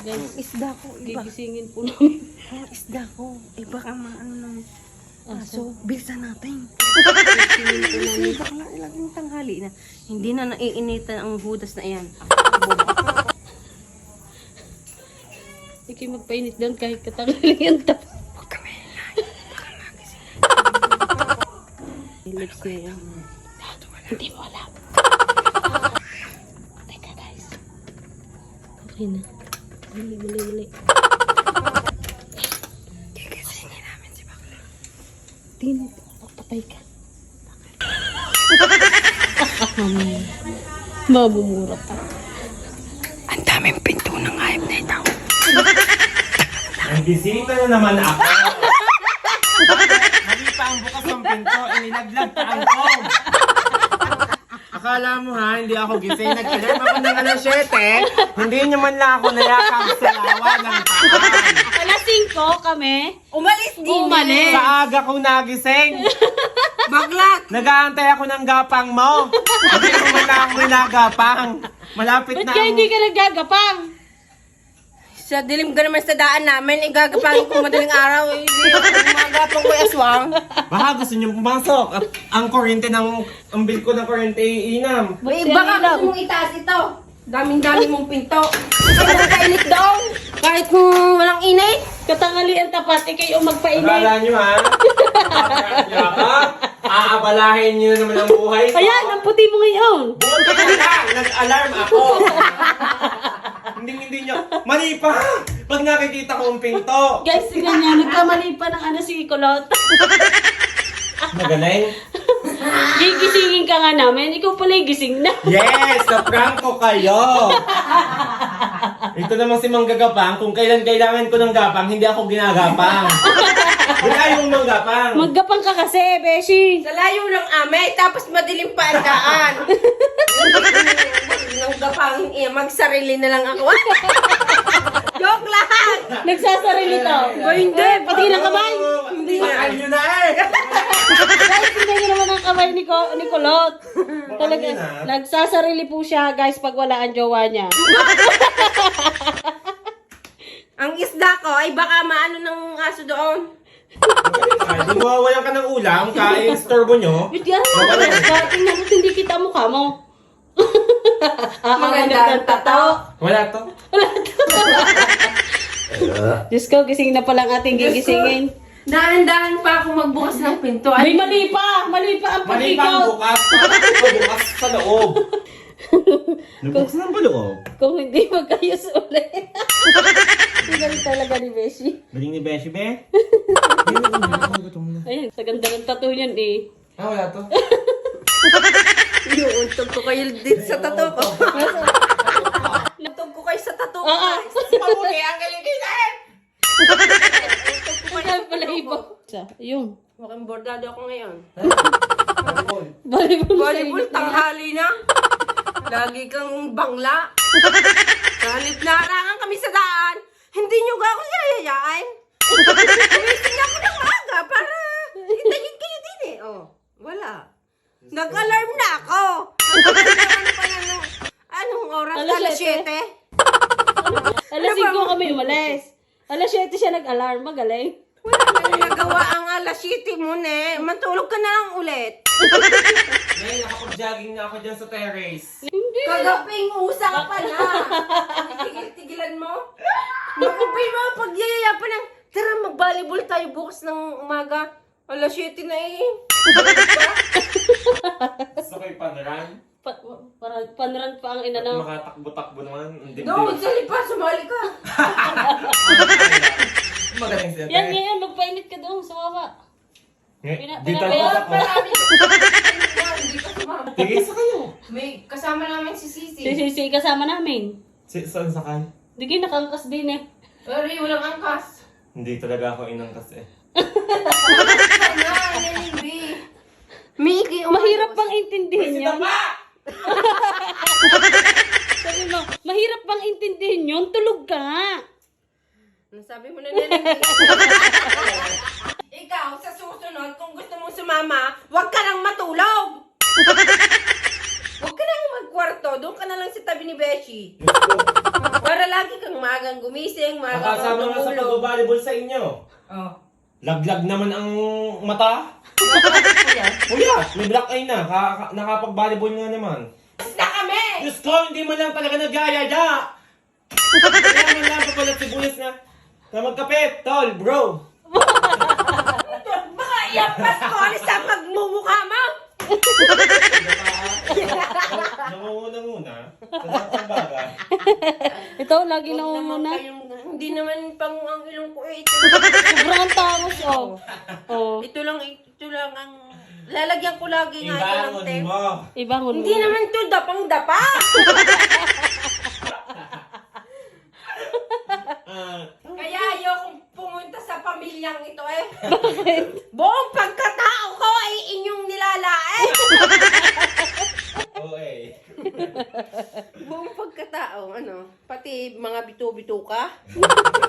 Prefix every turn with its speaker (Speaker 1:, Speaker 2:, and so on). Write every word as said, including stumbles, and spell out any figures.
Speaker 1: Guys,
Speaker 2: Ang isda ko, iba.
Speaker 1: gigisingin po namin.
Speaker 2: Ang isda ko, iba ka maano ng aso. Bilisan natin.
Speaker 1: Gigisingin po namin.
Speaker 2: Bakla ilaging tanghali na. Hindi na naiinitan ang hudas na iyan.
Speaker 1: Ikay magpainit doon kahit katangali ang tap.
Speaker 2: Huwag kami na. Baka magising.
Speaker 1: Lips niya yan. Hindi mo alam. Teka guys. Okay na. Mali, mali, mali.
Speaker 2: Gigisingin namin si Bakla.
Speaker 1: Tingnan mo. Magpatay ka. Mamaya. Mabumura pa.
Speaker 2: Ang daming pinto ng hayop na ito.
Speaker 3: Ang bisita na naman ako. Mali pa ang bukas ng pinto, inilaglag pa ang phone. Akala mo ha, hindi ako gising. Nag-alarm ako ng alas siyete. Hindi nyo man lang ako nayakap sa lawa ng paan.
Speaker 1: Alas singko kami.
Speaker 2: Umalis din.
Speaker 1: Umalis.
Speaker 3: Sa aga ko nagising.
Speaker 2: Baglak.
Speaker 3: Nag-aantay ako ng gapang mo. Hindi mo man lang ako nagagapang. Malapit
Speaker 1: Ba't
Speaker 3: na
Speaker 1: kaya
Speaker 3: ang...
Speaker 1: hindi ka naggagapang?
Speaker 2: Sa dilim ka naman sa daan namin, igagapangin ko madaling araw. Eh, magagapang ko aswang.
Speaker 3: Baka gusto nyo pumasok. At ang kuryente ng... Ang bill ko ng kuryente iinam.
Speaker 1: Ba't
Speaker 2: Eh,
Speaker 1: siya
Speaker 2: baka
Speaker 1: ilaw?
Speaker 2: gusto mong itaas ito. Daming-dami mong pinto. Magkakainit doon. Kahit kung walang init.
Speaker 1: Katangali ang tapat, ikay yung magpainit.
Speaker 3: Akala nyo ha? Yakap, aabalahin nyo naman ang buhay ko.
Speaker 1: Ayan, ang puti mo ngayon.
Speaker 3: Buti na lang, nag-alarm ako. hindi hindi nyo, mali pa! Pag nakikita ko ang pinto.
Speaker 1: Guys, tingnan niya, nagkamali pa ng ano si Kulot.
Speaker 3: Magaling?
Speaker 1: Gigisingin ka nga namin, ikaw pala yung gising na.
Speaker 3: Yes! Na-prank ko kayo! Ito naman si Manggagapang, kung kailan kailangan ko ng gapang, hindi ako ginagapang. Wala yung manggapang.
Speaker 1: Maggapang ka kasi, Beshi.
Speaker 2: Sa layo ng ame, tapos madilim pa ang daan. Nang gapang, eh, magsarili na lang ako. Joke lang!
Speaker 1: Nagsasarili to.
Speaker 2: Ba, hindi.
Speaker 1: Pati ng kamay.
Speaker 2: Hindi na.
Speaker 3: Bakal nyo na eh!
Speaker 1: Guys, tingnan niyo naman ang kamay ni, Ko, ni Kulot. Talaga,
Speaker 3: yun, ah.
Speaker 1: nagsasarili po siya, guys, pag wala ang jowa niya.
Speaker 2: Ang isda ko ay baka maano ng aso doon.
Speaker 3: Ay, kung mawawalan ka ng ulam, kain storbo nyo.
Speaker 1: Wait, yan mo. Tingnan mo, hindi kita mukha mo. Ah, ang
Speaker 2: Maganda ang tato.
Speaker 3: Wala to.
Speaker 1: Diyos ko, gising na palang ating gigisingin.
Speaker 2: Dahan-dahan pa ako magbukas ng pinto.
Speaker 1: Ay, mali pa! Mali pa ang
Speaker 3: Mali pa ang
Speaker 1: pag-ikaw.
Speaker 3: bukas. Bukas sa loob. Nabukas na ba loob?
Speaker 1: Kung hindi, magkayos ulit. Galing talaga ni Beshi.
Speaker 3: Galing ni Beshi, be?
Speaker 1: Ayun, sa ganda ng tattoo niyan eh.
Speaker 3: Ah, wala to.
Speaker 2: Yung untog ko kayo dito sa tato ko. Untog ko kayo sa tato ko.
Speaker 1: Ah, ah.
Speaker 3: Mabuti ang galing-galing!
Speaker 1: Magkano pala iba? Ayun.
Speaker 2: Mukhang bordado ako ngayon.
Speaker 1: Volleyball.
Speaker 2: Volleyball, tanghali na. Lagi kang bangla. Kahit naarangan kami sa daan, hindi nyo ga ako yayayain. Gumising ako ng maaga para itayin kayo din eh. Oh, wala. Nag-alarm na ako. Ano pa yan ng, anong oras?
Speaker 1: Alas
Speaker 2: Alas
Speaker 1: siyete.
Speaker 2: siyete?
Speaker 1: Alas
Speaker 2: Ano ba?
Speaker 1: singko kami umalis. Alas siyete siya nag-alarm. Magaling.
Speaker 2: Wala nang nagawa ang alas siyete mo ne. Matulog ka na lang ulit.
Speaker 3: Ngayon, nakapag-jogging na ako dyan sa terrace.
Speaker 1: Hindi.
Speaker 2: Kagaping usa ka pala. Tigil-tigilan mo. Magkapay mo, pagyayaya pa ng, tara mag-volleyball tayo bukas ng umaga. Alas siyete na eh.
Speaker 3: Gusto ko yung panran.
Speaker 1: Pa, para panran pa ang inanaw.
Speaker 3: Makatakbo-takbo naman. Ang dibdib.
Speaker 2: No, magsali pa, sumali ka.
Speaker 3: Magaling siya.
Speaker 1: Yan ngayon, magpainit ka doon sa baba.
Speaker 3: Eh,
Speaker 1: Pina-
Speaker 3: Dito
Speaker 1: pina-
Speaker 3: ako
Speaker 1: pina-
Speaker 3: ako.
Speaker 2: Marami. Hindi ka sumama.
Speaker 3: Tigil sa kayo.
Speaker 2: May kasama namin si Sisi.
Speaker 1: Si Sisi kasama namin.
Speaker 3: Si, saan sakay?
Speaker 1: Di kayo nakangkas din eh.
Speaker 2: Pero walang angkas.
Speaker 3: Hindi talaga ako inangkas eh.
Speaker 2: Sana, Nanibi. Miki,
Speaker 1: Mahirap bang intindihin yun?
Speaker 3: Tama!
Speaker 1: Sabi mo, mahirap bang intindihin yun? Tulog ka nga.
Speaker 2: Nasabi mo na Nanibi. Ikaw, sa susunod, kung gusto mong sumama, huwag ka nang matulog. Huwag ka nang magkwarto. Doon ka na lang sa tabi ni Beshi.
Speaker 3: Diyos ko.
Speaker 2: Para lagi kang magang gumising, magang
Speaker 3: Nakasama nga sa
Speaker 2: tumulog.
Speaker 3: pag-volleyball sa inyo.
Speaker 2: Oh.
Speaker 3: Laglag naman ang mata. Kuya, may black eye na. Ka- ka- nakapag-volleyball nga naman.
Speaker 2: Basta kami!
Speaker 3: Diyos ko, hindi mo lang talaga nagyayaya. Kaya man lang papalat sibuyas na. Na magkapit, tol, bro.
Speaker 2: Baka iampas ko alis sa magmumukha mo!
Speaker 3: Nangunguna-nguna. Sa saktang bagay.
Speaker 1: Ito, lagi
Speaker 2: Huwag
Speaker 1: na
Speaker 2: naman
Speaker 1: umuna.
Speaker 2: kayong, hindi naman pang ang ilong ko eh. Ito,
Speaker 1: Sobrang tangos, oh. Oh.
Speaker 2: ito lang, ito lang ang... Lalagyan ko lagi nga ito ng
Speaker 3: Ibangon
Speaker 2: tape.
Speaker 3: mo.
Speaker 1: Ibangon mo.
Speaker 2: Hindi naman to dapang-dapa.
Speaker 3: Ah,
Speaker 2: Kaya ayokong pumunta sa pamilyang ito eh. Buong pagkatao ko ay inyong nilalain.
Speaker 3: oo eh.
Speaker 2: Buong pagkatao, ano, pati mga bito-bito ka.